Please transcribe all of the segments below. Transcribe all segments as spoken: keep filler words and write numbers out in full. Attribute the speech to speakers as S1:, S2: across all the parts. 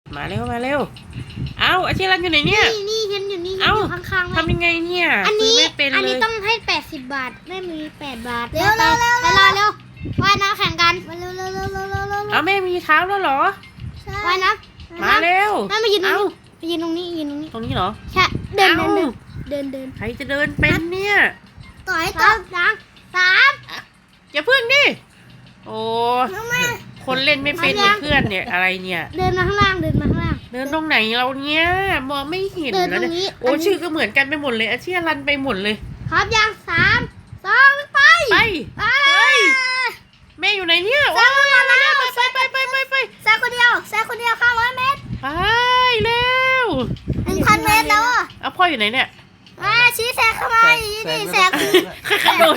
S1: มาเร็วมาเร็วเอาอาชีรันอยู่ไหนเนี่ย
S2: นี่นี่ฉันอยู่นี่ฉัน
S1: เอ้า
S2: อยู่ข้างๆ
S1: ทำยังไงเนี่ย
S2: อันนี้
S1: ซื้ไม่เป็น
S2: อัน
S1: เล
S2: นี้
S1: ย
S2: ต้องให้แปดสิบบาทไม่มีแปดบาทเร็วเร็วเร็วเร็วเร็วว่ายน้ำแข่งกันมาเร็วเร็วเร็วเร็วเร็วเร็ว
S1: เอาแม่มีเท้าแล้วเหรอ
S2: ว่ายน้ำ
S1: มาเร็ว
S2: แม่มายืนตรง
S1: เอา
S2: นี้มายืนตรงนี้ยืนตรงนี้
S1: ตรงนี้เหรอ
S2: ใช่เดิน
S1: เอ้า
S2: เดินเดินเดิน
S1: ใครจะเดินเป็นเนี่ย
S2: ต่อยต่อสามสาม
S1: อย่าพึ่งดิโอ้
S2: น้องแม่
S1: คนเล่นไม่เป็น
S2: มายัง
S1: เพื่อนเนี่ยอะไรเนี่ย
S2: เดินมาข้างล่างเดินมาข้างล่าง
S1: เดินตรงไหนเราเนี่ยมองไม่เห็น
S2: เดิน
S1: แล้ว
S2: ตรงนี้
S1: เนี่ยโอ้
S2: อันนี้
S1: ชื่อก็เหมือนกันไปหมดเลยอาชีรันไปหมดเลย
S2: พร้อมยังสามสองไป
S1: ไป
S2: ไป
S1: เฮ้ยแม่อยู่ไหนเนี่ย
S2: แซงคนเดียวแล้ว
S1: ไปไปไปไปไป
S2: แซงคนเดียวแซงคนเดียวข้างร้อยเมตร
S1: ไปเร็ว
S2: หนึ่งพันเมตรแล้วอ่ะ
S1: เอาพ่ออยู่ไหนเนี่ย
S2: มาชี้แซงเข้ามานี่แซง
S1: ใครกระโดด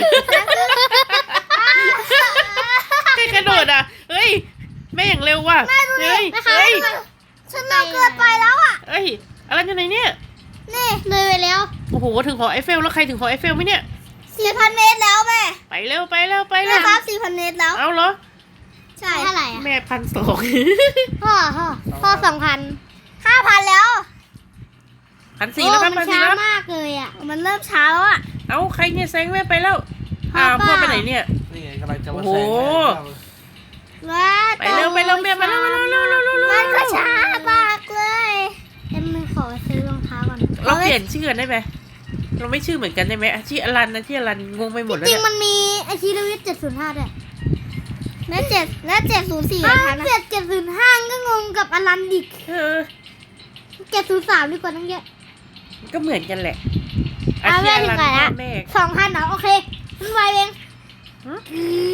S1: ใครกระโดดอ่ะเฮ้ยแม่อย่างเร็วว่ะเฮ้ย
S2: นะคะ
S1: เฮ้ย
S2: ฉันเราเกินไปแล้วอ่ะ
S1: เฮ้ยอะไรอยู่ไหนเนี่ย
S2: นี่เลยไปแล้ว
S1: โอ้โหถึงหอไอเฟลแล้วใครถึงหอไอเฟลไหมเนี่ย
S2: สี่พันเมตรแล้วแม่
S1: ไปเร็วไปเร็วไป
S2: แม่
S1: เร็ว
S2: ครับสี่พันเมตรแล้ว
S1: เอาเหรอ
S2: ใช่เท่าไหร่อ่ะ
S1: แม่พันสอง
S2: พ่อพ่อพ่อสองพันห้าพันแล้ว
S1: พันสี่แล้วครับ
S2: โอ้
S1: พั
S2: มัน น
S1: สี่
S2: ช้า
S1: แล้ว
S2: มากเลยอ่ะมันเริ่มช้าแล้วอ่ะ
S1: เอาใครเนี่ยแซงแม่ไปแล้ว
S2: พ่อ
S1: อ้าว
S2: เปล่า
S1: พ่อไปไหนเนี่ย
S3: นี่ไงกำลังจะมา
S1: โอ้
S3: แซ
S1: โห
S3: งแม่
S2: ว้า
S1: ไปเร็วไปเร็วแม่มาเร็วเร็วเร็วเร็วเร็วเร็ว
S2: มันก็ช้ามากเลยเอ็มมือขอซื้อรองเท้าก่อน
S1: เราเปลี่ยนชื่อกันได้ไหมเราไม่ชื่อเหมือนกันได้ไหมอาชีอลันอาชีอลันงงไปหมดแล้ว
S2: จริ
S1: เนี่
S2: ง
S1: ย
S2: ๆมันมีไอชีลวิทเจ็ดศูนย์ห้าด้วยและเจ็ดและเจ็ดศูนย์สี่นะคะเจ็ดเจ็ดศูนย์ห้าก็งงกับอลันดิก
S1: เออ
S2: เจ็ดศูนย์สามดีกว่าตั้งเยอะ
S1: ก็เหมือนกันแหละ
S2: อ่ะ
S1: อาชี
S2: แม่
S1: อ
S2: ถึ
S1: ลั
S2: ง
S1: น
S2: ไหน
S1: พ่
S2: ละ
S1: อแม่
S2: สองพันเหรอโอเคมันไวเอง
S1: ฮะ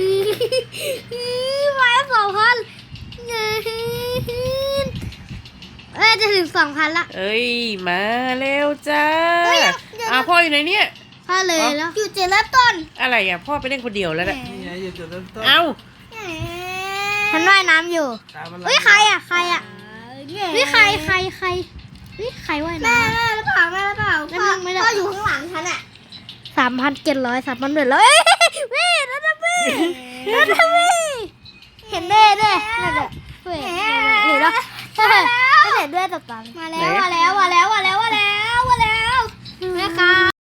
S2: ไวสองพันเอ้ยจะถึงสองพันละ
S1: เอ้ยมาเร็วจ้า
S2: เฮ้ยเดี๋ยวนะ
S1: อ้าวพ่ออยู่ไหนเนี่ย
S2: พอเลยแล้วอยู่เจ็ดเริ่มต้น
S1: อะไรอ่ะพ่อไปเล่นคนเดียวแล้วแหละ
S3: นี่ไงอยู่จุดเริ่มต้น
S1: เอ้า
S2: ฉันว่ายน้ำอยู่
S3: ตามมัน
S2: เฮ้ยใครอ่ะใครอ่ะเฮ้ยใครใครใครเฮ้ยใครว่ายน้ำ
S4: แม่หรือเปล่าแม่หรือเปล่า
S2: แม่
S4: พ่อ
S2: ไม่ได้
S4: พ่ออยู่ข้างหลังฉันอ่ะ
S2: สามพันเจ็ดร้อยสามพันเจ็ดร้อยเว้ยนั่นนะเว้ยนั่นนะเว้ยเห็นเด้เด้นั่นแหละเว้ยเห็นแล้วเห็นด้วยตบตา
S4: มาแล้วมาแล้วมาแล้วมา